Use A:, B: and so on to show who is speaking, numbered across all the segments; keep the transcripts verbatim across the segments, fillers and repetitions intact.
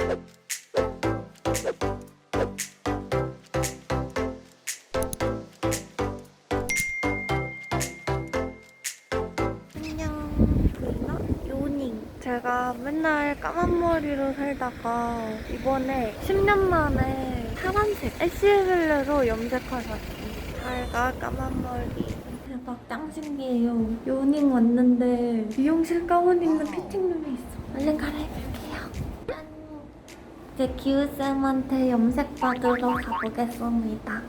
A: 제가 맨날 까만 머리로 살다가 이번에 십 년 만에 파란색 애쉬블루로 염색하셨어요. 잘가 까만 머리. 대박 짱 신기해요. 요닝 왔는데 미용실 가운 입는 피팅룸에 있어. 얼른 갈아입을게요. 짠. 이제 기우쌤한테 염색 받으러 가보겠습니다.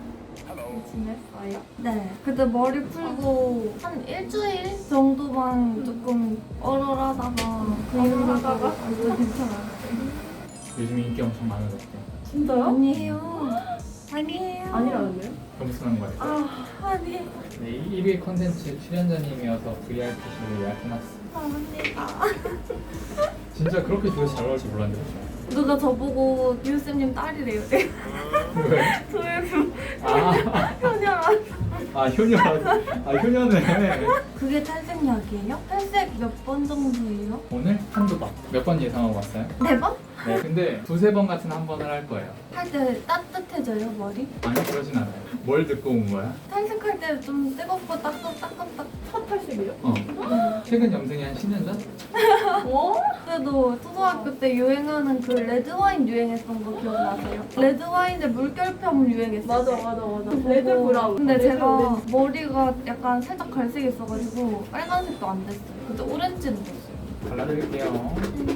A: 지냈어요? 네. 그때 머리 풀고 한 일주일 정도만 조금 얼얼하다가 얼얼하다가 그거 괜찮아요.
B: 요즘에 인기 엄청 많아졌대.
A: 진짜요? 아니에요. 아니에요.
C: 아니라는데요?
B: 겸손한 거예요.
A: 아, 아니에요.
B: 네, 일 위 컨텐츠 출연자님이어서 브이아이피실로 예약해놨어.
A: 감사합니다.
B: 진짜 그렇게 조회수 잘 나올 줄 몰랐는데.
A: 누가 저보고 기우쌤님 딸이래요.
B: 왜?
A: 조회수
B: 아,
A: 현혈한.
B: 아 효녀. 아 효녀네.
A: 그게 탈색약이에요? 탈색 몇 번 정도예요?
B: 오늘 한두 번. 몇 번 예상하고 왔어요?
A: 네 번?
B: 네, 근데 두세 번 같은 한 번을 할 거예요.
A: 할 때 따뜻해져요, 머리?
B: 아니 그러진 않아요. 뭘 듣고 온 거야?
A: 탈색할 때 좀 뜨겁고 따끔따끔따
C: 첫 탈색이요?
B: 어. 최근 염색이 한 십 년 전?
A: 어? 그래도 초등학교 때 유행하는 그 레드와인 유행했던 거 기억나세요? 레드와인에 물결펌 유행했어요.
C: 맞아 맞아 맞아.
A: 그거
C: 레드 브라운.
A: 근데
C: 레드
A: 제가
C: 오렌지.
A: 머리가 약간 살짝 갈색있어가지고 빨간색도 안 됐어요. 근데 오렌지는 됐어요.
B: 발라드릴게요.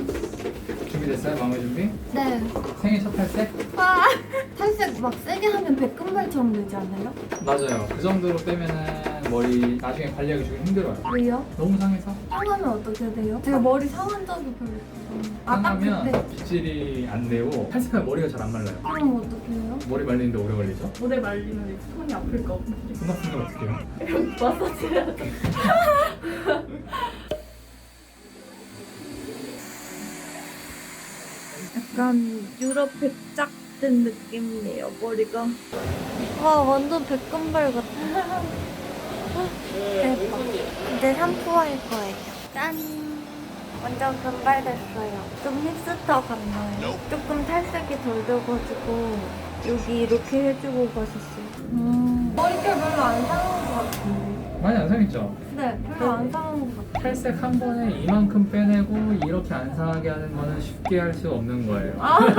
B: 준비됐어요? 마무리 준비?
A: 네.
B: 생일 첫 탈색?
A: 아, 탈색 막 세게 하면 백금발처럼 되지 않아요?
B: 맞아요. 그 정도로 빼면은 머리 나중에 관리하기 좀 힘들어요.
A: 왜요?
B: 너무 상해서?
A: 상하면 어떻게 돼요? 제가 머리 상한 적이 별로 없어요. 아, 딱
B: 상하면
A: 그때.
B: 빗질이 안 되고 탈색하면 머리가 잘 안 말라요.
A: 그럼 어떻게 해요?
B: 머리 말리는데 오래 걸리죠?
C: 모델 말리면 이제 손이 아플 거.
B: 손 아픈 건 어떻게 해요?
C: 마사지 해야 돼.
A: 약간 유럽 백작 된 느낌이에요, 머리가. 와, 완전 백금발 같아. 대박. 이제 샴푸할 거예요. 짠! 완전 금발됐어요. 좀 힙스터 같나요? 조금 탈색이 덜 돼가지고 여기 이렇게 해주고 가셨어요. 음, 머릿결 별로 안 상한 것 같은데.
B: 많이 안 상했죠?
A: 네, 별로 안 상한 것 같아요.
B: 탈색 한 번에 이만큼 빼내고 이렇게 안 상하게 하는 거는 쉽게 할 수 없는 거예요.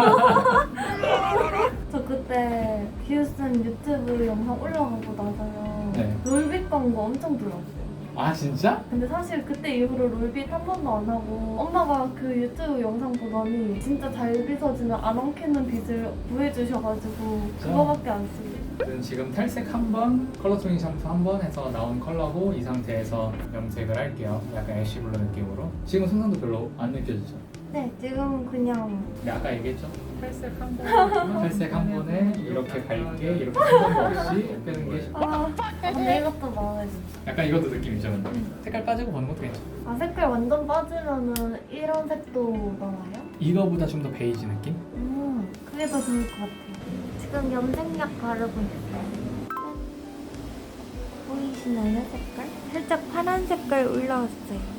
A: 저 그때 기우쌤 유튜브 영상 올라가고 나서요.
B: 네.
A: 롤빗 광고 엄청 들었어요.
B: 아 진짜?
A: 근데 사실 그때 이후로 롤빗 한 번도 안 하고 엄마가 그 유튜브 영상 보더니 진짜 잘 빗어주는 안 엉키는 빗을 구해주셔가지고 그거밖에 안 쓰고.
B: 저는 지금 탈색 한 번, 컬러 토닝 샴푸 한 번 해서 나온 컬러고 이 상태에서 염색을 할게요. 약간 애쉬블루 느낌으로. 지금 손상도 별로 안 느껴지죠?
A: 네, 지금은 그냥
B: 네, 아까 얘기했죠? 탈색 한 번, 탈색 한 번에 이렇게 밝게 이렇게 한 번도 없이 빼는 게
A: 아, 근데 이것도 마음에 들어.
B: 약간 이것도 느낌이죠, 근데 색깔 빠지고 보는 것도 괜찮아.
A: 아, 색깔 완전 빠지면은 이런 색도 나와요?
B: 이거보다 좀 더 베이지 느낌?
A: 음, 그게 더 좋을 것 같아요. 지금 염색약 바르고 있어요. 짠. 보이시나요, 색깔? 살짝 파란 색깔 올라왔어요.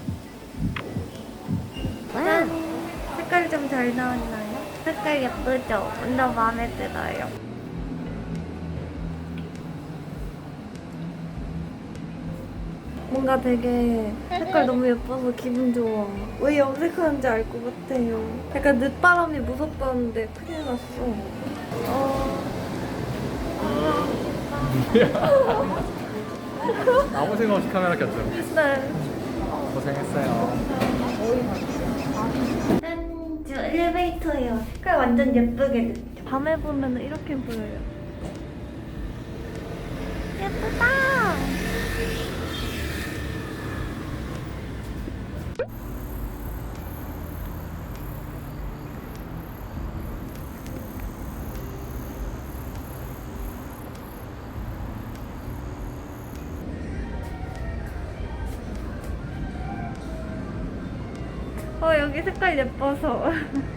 A: 짠! 색깔 좀 잘 나왔나요? 색깔 예쁘죠? 완전 마음에 들어요. 뭔가 되게 색깔 너무 예뻐서 기분 좋아. 왜 염색하는지 알 것 같아요. 약간 늦바람이 무섭다는데 큰일 났어. 어...
B: 아무 생각 없이 카메라 켰죠?
A: 네.
B: 고생했어요.
A: 짠! 저 엘리베이터예요. 색깔 완전 예쁘게 됐죠? 밤에 보면 이렇게 보여요. 예쁘다! 어, 여기 색깔 예뻐서.